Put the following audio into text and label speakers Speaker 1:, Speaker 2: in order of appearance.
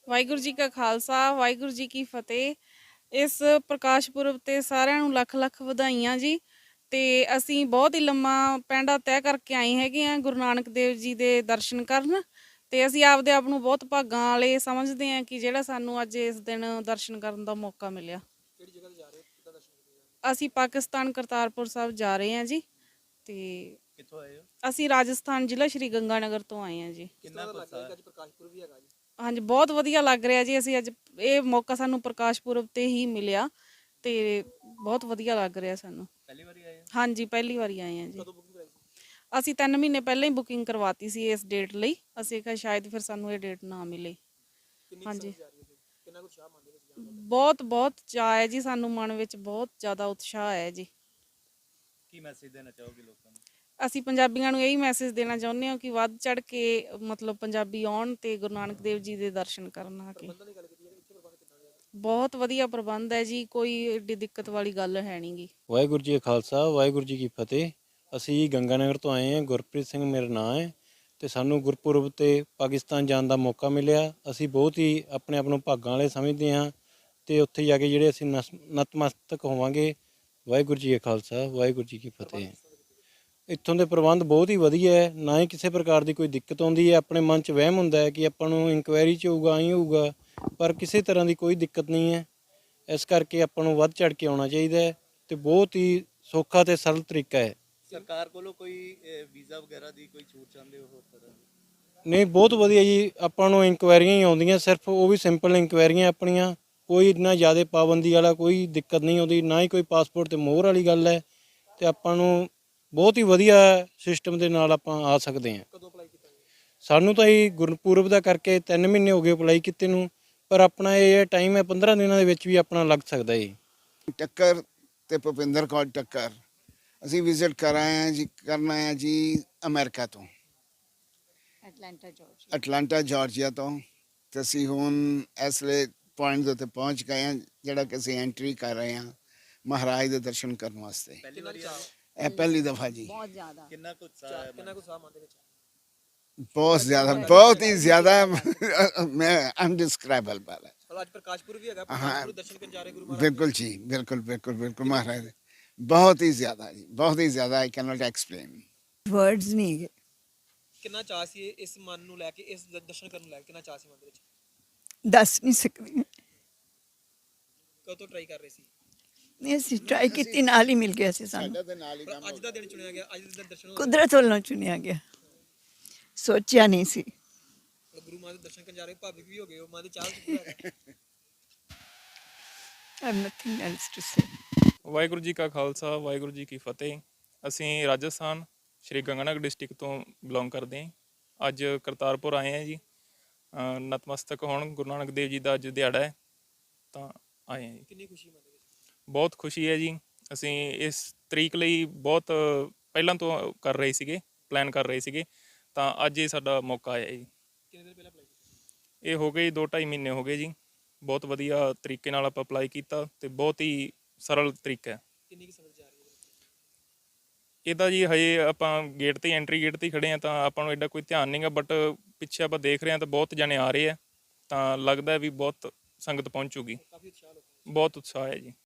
Speaker 1: ਵਾਹਿਗੁਰੂ ਜੀ ਕਾ ਖਾਲਸਾ ਵਾਹਿਗੁਰੂ ਜੀ ਕੀ ਫਤਿਹ। ਇਸ ਪ੍ਰਕਾਸ਼ ਪੁਰਬ ਤੇ ਸਾਰਿਆਂ ਨੂੰ ਲੱਖ ਲੱਖ ਵਧਾਈਆਂ ਜੀ। ਤੇ ਅਸੀਂ ਬਹੁਤ ਹੀ ਲੰਮਾ ਪੈਂਡਾ ਤੈਅ ਕਰਕੇ ਆਏ ਹੈਗੇ ਆ ਗੁਰੂ ਨਾਨਕ ਦੇਵ ਜੀ ਦੇ ਦਰਸ਼ਨ ਕਰਨ। ਤੇ ਅਸੀਂ ਆਪਦੇ ਆਪ ਨੂੰ ਬਹੁਤ ਭਾਗਾਂ ਵਾਲੇ ਸਮਝਦੇ ਹਾਂ ਕਿ ਜਿਹੜਾ ਸਾਨੂੰ ਅੱਜ ਇਸ ਦਿਨ ਦਰਸ਼ਨ ਕਰਨ ਦਾ ਮੌਕਾ ਮਿਲਿਆ।
Speaker 2: ਕਿਹੜੀ ਜਗ੍ਹਾ ਤੇ ਜਾ ਰਹੇ ਹੋ, ਕਿੱਦਾਂ ਦਰਸ਼ਨ ਕਰਦੇ ਹੋ?
Speaker 1: ਅਸੀਂ ਪਾਕਿਸਤਾਨ ਕਰਤਾਰਪੁਰ ਸਾਹਿਬ ਜਾ ਰਹੇ ਹਾਂ ਜੀ। ਤੇ
Speaker 2: ਕਿੱਥੋਂ ਆਏ ਹੋ?
Speaker 1: ਅਸੀਂ ਰਾਜਸਥਾਨ ਜ਼ਿਲ੍ਹਾ ਸ਼੍ਰੀ ਗੰਗਾਨਗਰ ਤੋਂ ਆਏ ਹਾਂ ਜੀ।
Speaker 2: ਕਿੰਨਾ ਲੱਗ ਰਿਹਾ ਕਿ ਅੱਜ ਪ੍ਰਕਾਸ਼ ਪੁਰਬ ਵੀ ਹੈਗਾ ਜੀ?
Speaker 1: ਹਾਂਜੀ, ਬਹੁਤ ਵਧੀਆ ਲੱਗ ਰਿਹਾ ਜੀ। ਅਸੀਂ ਅੱਜ ਇਹ ਮੌਕਾ ਸਾਨੂੰ ਪ੍ਰਕਾਸ਼ ਪੁਰਬ ਤੇ ਹੀ ਮਿਲਿਆ ਤੇ ਬਹੁਤ ਵਧੀਆ ਲੱਗ ਰਿਹਾ ਸਾਨੂੰ।
Speaker 2: ਪਹਿਲੀ ਵਾਰੀ ਆਏ ਹੋ?
Speaker 1: ਹਾਂਜੀ, ਪਹਿਲੀ ਵਾਰੀ ਆਏ ਹਾਂ ਜੀ।
Speaker 2: ਕਦੋਂ ਬੁਕਿੰਗ ਕਰਾਈ ਸੀ?
Speaker 1: ਅਸੀਂ 3 ਮਹੀਨੇ ਪਹਿਲਾਂ ਹੀ ਬੁਕਿੰਗ ਕਰਵਾਤੀ ਸੀ ਇਸ ਡੇਟ ਲਈ। ਅਸੀਂ ਕਿਹਾ ਸ਼ਾਇਦ ਫਿਰ ਸਾਨੂੰ ਇਹ ਡੇਟ ਨਾ ਮਿਲੇ।
Speaker 2: ਕਿੰਨੀ
Speaker 1: ਹਾਂਜੀ,
Speaker 2: ਸੰਗਤ ਜਾ ਰਹੀ ਹੈ ਫਿਰ? ਕਿੰਨਾ ਕੁ ਉਤਸ਼ਾਹ ਮੰਨਦੇ ਵਿੱਚ ਜਾਣ ਦਾ?
Speaker 1: ਬਹੁਤ ਚਾਅ ਹੈ ਜੀ ਸਾਨੂੰ, ਮਨ ਵਿੱਚ ਬਹੁਤ ਜ਼ਿਆਦਾ ਉਤਸ਼ਾਹ ਹੈ ਜੀ।
Speaker 2: ਕੀ ਮੈਸੇਜ ਦੇਣਾ ਚਾਹੋਗੇ ਲੋਕਾਂ ਨੂੰ?
Speaker 1: ਅਸੀਂ ਪੰਜਾਬੀਆਂ ਨੂੰ ਇਹੀ ਮੈਸੇਜ ਦੇਣਾ ਚਾਹੁੰਦੇ ਹਾਂ ਕਿ ਵੱਧ ਚੜ ਕੇ ਮਤਲਬ ਪੰਜਾਬੀ ਆਉਣ ਤੇ ਗੁਰੂ ਨਾਨਕ ਦੇਵ ਜੀ ਦੇ ਦਰਸ਼ਨ ਕਰਨ ਆ ਕੇ।
Speaker 2: ਪ੍ਰਬੰਧਨ ਦੀ ਗੱਲ ਕੀਤੀ ਹੈ, ਇੱਥੇ ਪ੍ਰਬੰਧ ਕਿੱਦਾਂ ਦੇ ਆ?
Speaker 1: ਬਹੁਤ ਵਧੀਆ ਪ੍ਰਬੰਧ ਹੈ ਜੀ, ਕੋਈ ਏਡੀ ਦਿੱਕਤ ਵਾਲੀ ਗੱਲ ਹੈ ਨਹੀਂ ਗੀ।
Speaker 3: ਵਾਹਿਗੁਰੂ ਜੀ ਕਾ ਖਾਲਸਾ ਵਾਹਿਗੁਰੂ ਜੀ ਕੀ ਫਤਿਹ। ਅਸੀਂ ਗੰਗਾਨਗਰ ਤੋਂ ਆਏ ਹਾਂ। ਗੁਰਪ੍ਰੀਤ ਸਿੰਘ ਮੇਰਾ ਨਾਂ ਹੈ ਤੇ ਸਾਨੂੰ ਗੁਰਪੁਰਬ ਤੇ ਪਾਕਿਸਤਾਨ ਜਾਣ ਦਾ ਮੌਕਾ ਮਿਲਿਆ। ਅਸੀਂ ਬਹੁਤ ਹੀ ਆਪਣੇ ਆਪ ਨੂੰ ਭਾਗਾਂ ਵਾਲੇ ਸਮਝਦੇ ਹਾਂ ਤੇ ਉੱਥੇ ਜਾ ਕੇ ਜਿਹੜੇ ਅਸੀਂ ਨਤਮਸਤਕ ਹੋਵਾਂਗੇ। ਵਾਹਿਗੁਰੂ ਜੀ ਕਾ ਖਾਲਸਾ ਵਾਹਿਗੁਰੂ ਜੀ ਕੀ ਫਤਿਹ। ਇੱਥੋਂ ਦੇ ਪ੍ਰਬੰਧ ਬਹੁਤ ਹੀ ਵਧੀਆ ਹੈ, ਨਾ ਹੀ ਕਿਸੇ ਪ੍ਰਕਾਰ ਦੀ ਕੋਈ ਦਿੱਕਤ ਆਉਂਦੀ ਹੈ। ਆਪਣੇ ਮਨ 'ਚ ਵਹਿਮ ਹੁੰਦਾ ਹੈ ਕਿ ਆਪਾਂ ਨੂੰ ਇਨਕੁਆਇਰੀ 'ਚ ਹੋਊਗਾ, ਆਈ ਹੋਊਗਾ, ਪਰ ਕਿਸੇ ਤਰ੍ਹਾਂ ਦੀ ਕੋਈ ਦਿੱਕਤ ਨਹੀਂ ਹੈ। ਇਸ ਕਰਕੇ ਆਪਾਂ ਨੂੰ ਵੱਧ ਚੜ ਕੇ ਆਉਣਾ ਚਾਹੀਦਾ ਹੈ ਤੇ ਬਹੁਤ ਹੀ ਸੌਖਾ ਤੇ ਸਰਲ ਤਰੀਕਾ ਹੈ।
Speaker 2: ਸਰਕਾਰ ਕੋਲੋਂ ਕੋਈ ਵੀਜ਼ਾ ਵਗੈਰਾ ਦੀ ਕੋਈ ਛੂਟ ਚਾਹੁੰਦੇ ਹੋ ਹੋਰ ਤਰ੍ਹਾਂ ਦੀ?
Speaker 3: ਨਹੀਂ, ਬਹੁਤ ਵਧੀਆ ਜੀ। ਆਪਾਂ ਨੂੰ ਇਨਕੁਆਇਰੀਆਂ ਹੀ ਆਉਂਦੀਆਂ, ਸਿਰਫ ਉਹ ਵੀ ਸਿੰਪਲ ਇਨਕੁਆਇਰੀਆਂ ਆਪਣੀਆਂ। ਕੋਈ ਇੰਨਾ ਜ਼ਿਆਦਾ ਪਾਬੰਦੀ ਵਾਲਾ ਕੋਈ ਦਿੱਕਤ ਨਹੀਂ ਆਉਂਦੀ, ਨਾ ਹੀ ਕੋਈ ਪਾਸਪੋਰਟ ਤੇ ਮੋਹਰ ਵਾਲੀ ਗੱਲ ਹੈ। ਤੇ ਆਪਾਂ ਨੂੰ ਬਹੁਤ ਹੀ ਵਧੀਆ ਸਿਸਟਮ ਦੇ ਨਾਲ ਆਪਾਂ ਆ ਸਕਦੇ ਹਾਂ।
Speaker 2: ਕਦੋਂ ਅਪਲਾਈ ਕੀਤਾ ਜੀ?
Speaker 3: ਸਾਨੂੰ ਤਾਂ ਇਹ ਗੁਰਪੁਰਬ ਦਾ ਕਰਕੇ 3 ਮਹੀਨੇ ਹੋ ਗਏ ਅਪਲਾਈ ਕੀਤੇ ਨੂੰ, ਪਰ ਆਪਣਾ ਇਹ ਟਾਈਮ ਹੈ 15 ਦਿਨਾਂ ਦੇ ਵਿੱਚ ਵੀ ਆਪਣਾ ਲੱਗ ਸਕਦਾ ਹੈ।
Speaker 4: ਟੱਕਰ ਤੇ ਭੁਪਿੰਦਰ ਕੌਰ ਟੱਕਰ ਅਸੀਂ ਵਿਜ਼ਿਟ ਕਰਨਾ ਹੈ ਜੀ ਅਮਰੀਕਾ ਤੋਂ, ਅਟਲਾਂਟਾ ਜਾਰਜੀਆ ਤੋਂ। ਤੇ ਅਸੀਂ ਹੁਣ ਇਸ ਵੇਲੇ ਪੁਆਇੰਟ ਦੇ ਉੱਤੇ ਪਹੁੰਚ ਗਏ ਹਾਂ ਜਿਹੜਾ ਕਿ ਅਸੀਂ ਐਂਟਰੀ ਕਰ ਰਹੇ ਹਾਂ ਮਹਾਰਾਜ ਦੇ ਦਰਸ਼ਨ ਕਰਨ ਵਾਸਤੇ।
Speaker 2: ਪਹਿਲੀ ਵਾਰੀ ਆਏ?
Speaker 4: ਇਹ ਪਹਿਲੀ ਦਫਾ ਜੀ।
Speaker 2: ਕਿੰਨਾ ਕੁ ਉਤਸ਼ਾਹ ਮਨ ਦੇ ਵਿੱਚ?
Speaker 4: ਬਹੁਤ ਜ਼ਿਆਦਾ, ਬਹੁਤ ਹੀ ਜ਼ਿਆਦਾ। ਮੈਂ ਅਨਡਿਸਕ੍ਰਾਈਬਲ ਹੈ।
Speaker 2: ਅੱਜ ਪ੍ਰਕਾਸ਼ ਪੁਰਬ ਵੀ ਹੈਗਾ, ਪ੍ਰਕਾਸ਼ ਪੁਰਬ ਦਰਸ਼ਨ ਕਰਨ ਜਾ ਰਹੇ ਗੁਰੂ ਮਹਾਰਾਜ?
Speaker 4: ਬਿਲਕੁਲ ਜੀ, ਬਿਲਕੁਲ ਬਿਲਕੁਲ ਬਿਲਕੁਲ ਮਹਾਰਾਜ ਦੇ। ਬਹੁਤ ਹੀ ਜ਼ਿਆਦਾ ਜੀ, ਬਹੁਤ ਹੀ ਜ਼ਿਆਦਾ। I can not explain.
Speaker 5: Words ਨਹੀਂ ਹੈਗੇ।
Speaker 2: ਕਿੰਨਾ ਚਾਅ ਸੀ ਇਸ ਮਨ ਨੂੰ ਲੈ ਕੇ, ਇਸ ਦਰਸ਼ਨ ਕਰਨ ਨੂੰ ਲੈ ਕੇ? ਕਿੰਨਾ ਚਾਅ ਸੀ ਮਨ ਦੇ ਵਿੱਚ?
Speaker 5: ਦੱਸ ਨਹੀਂ ਸਕਦੀ।
Speaker 2: ਕਦੋਂ ਟਰਾਈ ਕਰ ਰਹੇ ਸੀ?
Speaker 5: ਨਹੀਂ, ਅਸੀਂ ਟਰਾਈ ਕੀਤੀ, ਨਾਲ ਹੀ ਮਿਲ ਗਿਆ ਸੀ ਸਾਨੂੰ।
Speaker 4: ਸਾਡਾ ਦੇ ਨਾਲ ਹੀ
Speaker 2: ਪਰ
Speaker 4: ਕੰਮ
Speaker 2: ਅੱਜ ਦਾ ਦਿਨ ਚੁਣਿਆ ਗਿਆ, ਅੱਜ ਦੇ ਦਿਨ ਦਰਸ਼ਨ ਹੋ ਗਏ।
Speaker 5: ਕੁਦਰਤ ਵੱਲੋਂ ਚੁਣਿਆ ਗਿਆ, ਸੋਚਿਆ ਨਹੀਂ ਸੀ।
Speaker 2: ਗੁਰੂ ਮਹਾਰਾਜ ਦੇ ਦਰਸ਼ਨ ਕਰਨ ਜਾ ਰਹੇ, ਭਾਵਿਕ ਵੀ ਹੋ ਗਏ ਹੋ, ਮਨ ਦੇ ਚਾਹ ਚ ਪੂਰਾ ਹੈਗਾ।
Speaker 5: I have nothing else to say.
Speaker 6: Waheguru ਜੀ ਕਾ ਖਾਲਸਾ ਵਾਹਿਗੁਰੂ ਜੀ ਕੀ ਫਤਿਹ। ਅਸੀਂ ਰਾਜਸਥਾਨ ਸ਼੍ਰੀ ਗੰਗਾਨਗਰ ਡਿਸਟ੍ਰਿਕਟ ਤੋਂ ਬਿਲੋਂਗ ਕਰਦੇ ਹਾਂ। ਅੱਜ ਕਰਤਾਰਪੁਰ ਆਏ ਹਾਂ ਜੀ, ਨਤਮਸਤਕ ਹੋਣ। ਗੁਰੂ ਨਾਨਕ ਦੇਵ ਜੀ ਦਾ ਅੱਜ ਦਿਹਾੜਾ ਹੈ ਤਾਂ ਆਏ ਹਾਂ ਜੀ।
Speaker 2: ਕਿੰਨੀ ਖੁਸ਼ੀ ਮਨ ਦੇ ਵਿੱਚ?
Speaker 6: ਬਹੁਤ ਖੁਸ਼ੀ ਹੈ ਜੀ। ਅਸੀਂ ਇਸ ਤਰੀਕ ਲਈ ਬਹੁਤ ਪਹਿਲਾਂ ਤੋਂ ਕਰ ਰਹੇ ਸੀਗੇ, ਪਲਾਨ ਕਰ ਰਹੇ ਸੀਗੇ, ਤਾਂ ਅੱਜ ਇਹ ਸਾਡਾ ਮੌਕਾ ਆਇਆ ਜੀ।
Speaker 2: ਕਿੰਨੇ ਦਿਨ ਪਹਿਲਾਂ ਅਪਲਾਈ ਕੀਤਾ?
Speaker 6: ਇਹ ਹੋ ਗਏ 2-2.5 ਮਹੀਨੇ ਹੋ ਗਏ ਜੀ। ਬਹੁਤ ਵਧੀਆ ਤਰੀਕੇ ਨਾਲ ਆਪਾਂ ਅਪਲਾਈ ਕੀਤਾ ਤੇ ਬਹੁਤ ਹੀ ਸਰਲ ਤਰੀਕਾ ਹੈ।
Speaker 2: ਕਿੰਨੀ ਕੁ ਸੰਗਤ ਜਾ ਰਹੀ ਹੈ?
Speaker 6: ਇਹਦਾ ਜੀ ਹਜੇ ਆਪਾਂ ਗੇਟ ਤੇ ਐਂਟਰੀ ਗੇਟ ਤੇ ਖੜੇ ਆ ਤਾਂ ਆਪਾਂ ਨੂੰ ਐਡਾ ਕੋਈ ਧਿਆਨ ਨਹੀਂ ਗਾ, ਬਟ ਪਿੱਛੇ ਆਪਾਂ ਦੇਖ ਰਹੇ ਹਾਂ ਤਾਂ ਬਹੁਤ ਜਣੇ ਆ ਰਹੇ ਆ, ਤਾਂ ਲੱਗਦਾ ਵੀ ਬਹੁਤ ਸੰਗਤ ਪਹੁੰਚੂਗੀ।
Speaker 2: ਕਾਫੀ ਉਤਸ਼ਾਹ ਲੋਕਾਂ ਦਾ।
Speaker 6: ਬਹੁਤ ਉਤਸ਼ਾਹ ਹੈ ਜੀ।